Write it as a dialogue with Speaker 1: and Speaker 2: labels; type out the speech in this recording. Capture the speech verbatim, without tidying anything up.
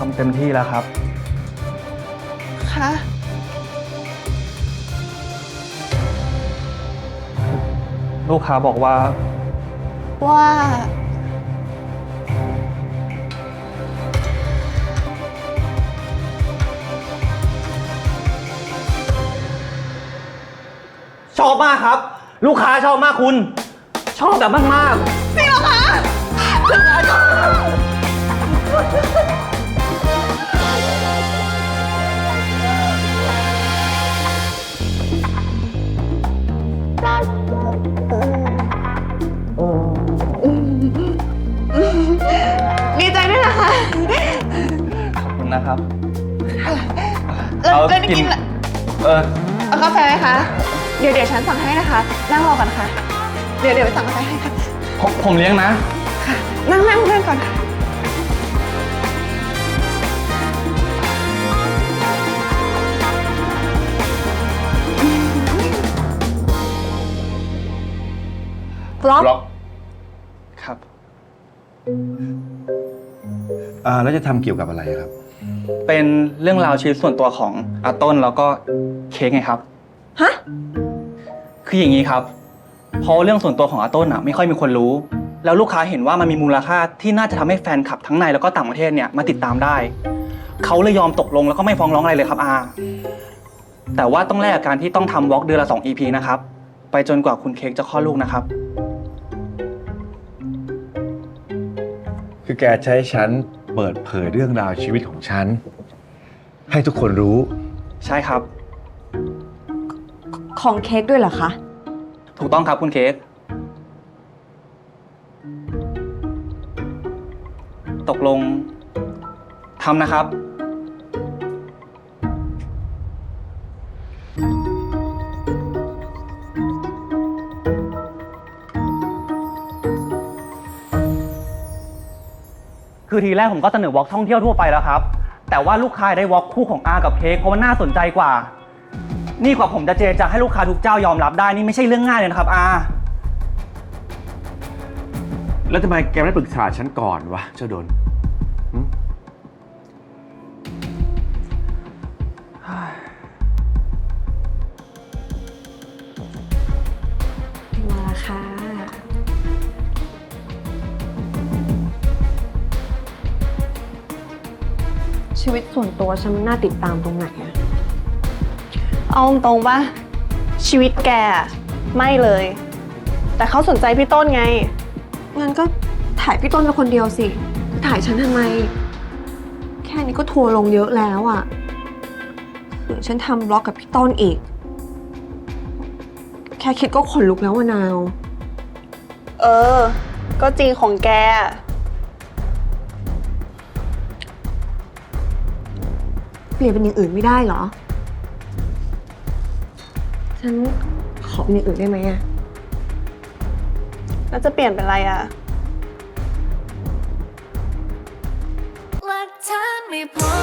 Speaker 1: ำเต็มที่แล้วครับ
Speaker 2: คะ
Speaker 1: ลูกค้าบอกว่า
Speaker 2: ว่า
Speaker 1: ชอบมากครับ ลูกค้าชอบมากคุณ ชอบแบบมากๆ
Speaker 2: จริงเหรอคะดีใจด้วยนะคะ
Speaker 1: ขอบคุณนะครับ
Speaker 2: แล้ว
Speaker 1: เอา
Speaker 2: แล้วนี่
Speaker 1: กิน
Speaker 2: กิน
Speaker 1: เออ
Speaker 2: เอากาแฟไหมคะ เดี๋ยวเดี๋ยวฉันสั่งให้นะคะ นั่งรอก่อนค่ะ เดี๋ยวเดี๋ยวไปสั่งกาแฟให้ค่ะ
Speaker 1: ผมผมเลี้ยงนะ
Speaker 2: ค่ะ นั่งนั่งเพื่อนก่อนค่ะ
Speaker 3: บล็อก
Speaker 4: บล็อก
Speaker 1: ครับ
Speaker 4: อ่าแล้วจะทำเกี่ยวกับอะไรครับ
Speaker 1: เป็นเรื่องราวชีวิตส่วนตัวของอาต้นแล้วก็เค้กไงครับ
Speaker 3: ฮะ
Speaker 1: คืออย่างนี้ครับ เพราะเรื่องส่วนตัวของอาต้นอ่ะไม่ค่อยมีคนรู้ แล้วลูกค้าเห็นว่ามันมีมูลค่าที่น่าจะทำให้แฟนคลับทั้งในแล้วก็ต่างประเทศเนี่ยมาติดตามได้ เขาเลยยอมตกลงแล้วก็ไม่ฟ้องร้องอะไรเลยครับอาแต่ว่าต้องแลกกับการที่ต้องทำวอล์กเดือนละสอง อี พี นะครับ ไปจนกว่าคุณเค้กจะคลอดลูกนะครับ
Speaker 4: คือแกใช้ฉันเปิดเผยเรื่องราวชีวิตของฉัน ให้ทุกคนรู้
Speaker 1: ใช่ครับ
Speaker 3: ของเค้กด้วยเหรอคะ
Speaker 1: ถูกต้องครับคุณเค้กตกลงทำนะครับ คือทีแรกผมก็เสนอวอล์กท่องเที่ยวทั่วไปแล้วครับ แต่ว่าลูกค้าได้วอล์กคู่ของอากับเค้กเพราะมันน่าสนใจกว่า นี่กว่าผมจะเจรจาให้ลูกค้าทุกเจ้ายอมรับได้นี่ไม่ใช่เรื่องง่ายเลยนะครับอา
Speaker 4: แล้วทำไมแกไม่ปรึกษาฉันก่อนวะเจ้าดนหึ
Speaker 3: มาแล้วค่ะ ชีวิตส่วนตัวฉันมันน่าติดตามตรงไหนอะ
Speaker 2: เอาตรงๆป่ะ ชีวิตแกอะไม่เลย แต่เขาสนใจพี่ต้นไง
Speaker 3: งั้นก็ถ่ายพี่ต้นเป็นคนเดียวสิจะถ่ายฉันทำไม แค่นี้ก็ทัวร์ลงเยอะแล้วอะหรือฉันทำบล็อกกับพี่ต้นอีก แค่คิดก็ขนลุกแล้วอะนาว
Speaker 2: เออ ก็จริงของแก
Speaker 3: เปลี่ยนเป็นอย่างอื่นไม่ได้เหรอ ฉันขอเป็นอย่างอื่นได้ไหมอะ
Speaker 2: แล้วจะเปลี่ยนเป็นอะไรอ่ะ
Speaker 5: หลักฐานไม่พอ